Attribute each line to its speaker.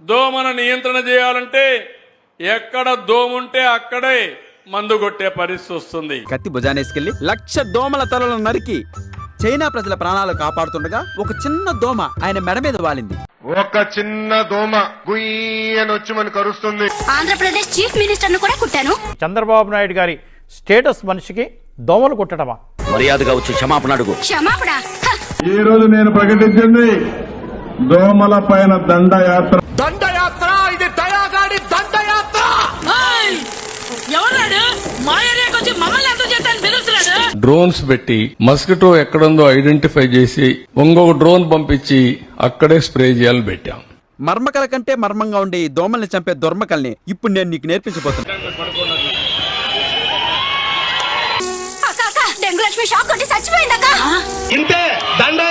Speaker 1: దోమను నియంత్రణ చేయాలంటే ఎక్కడ దోముంటే అక్కడే మందు కొట్టే పరిస్థితి వస్తుంది.
Speaker 2: కత్తి భుజానేసుకెళ్లి 1,00,000 దోమల తలలను నరికి చైనా ప్రజల ప్రాణాలు కాపాడుతుండగా ఒక చిన్న దోమ ఆయన మెడ మీద వాలింది.
Speaker 3: ఒక చిన్న దోమ గుయ్యనొచ్చి మనకు కరుస్తుంది.
Speaker 4: ఆంధ్రప్రదేశ్ చీఫ్ మినిస్టర్ ను కూడా కుట్టాను.
Speaker 5: చంద్రబాబు నాయుడు గారి స్టేటస్ మనిషికి దోమలు కుట్టడమా?
Speaker 2: మర్యాదగా వచ్చి క్షమాపణ అడుగు.
Speaker 4: క్షమాపణ?
Speaker 6: ఈ రోజు నేను ప్రకటించింది దోమల పైన దండయాత్ర.
Speaker 7: దండయాత్ర, ఇది దయాగాడి దండయాత్ర.
Speaker 8: ఎవరాడు మా ఏరియాకి వచ్చి మమ్మల్ని ఎంత చేస్తాను పిలుస్తున్నాడు?
Speaker 1: డ్రోన్స్ పెట్టి మస్కిటో ఎక్కడుందో ఐడెంటిఫై చేసి ఇంకొక డ్రోన్ పంపించి అక్కడే స్ప్రే చేయాలని పెట్టాం.
Speaker 2: మర్మకల కంటే మర్మంగా ఉండే ఈ దోమల్ని చంపే దుర్మకల్ని ఇప్పుడు నేను నీకు నేర్పించబోతున్నా.
Speaker 4: డెంగు లక్ష్మి షాక్ కొట్టి చచ్చిపోయిందక్క.
Speaker 7: ఇంతే దండ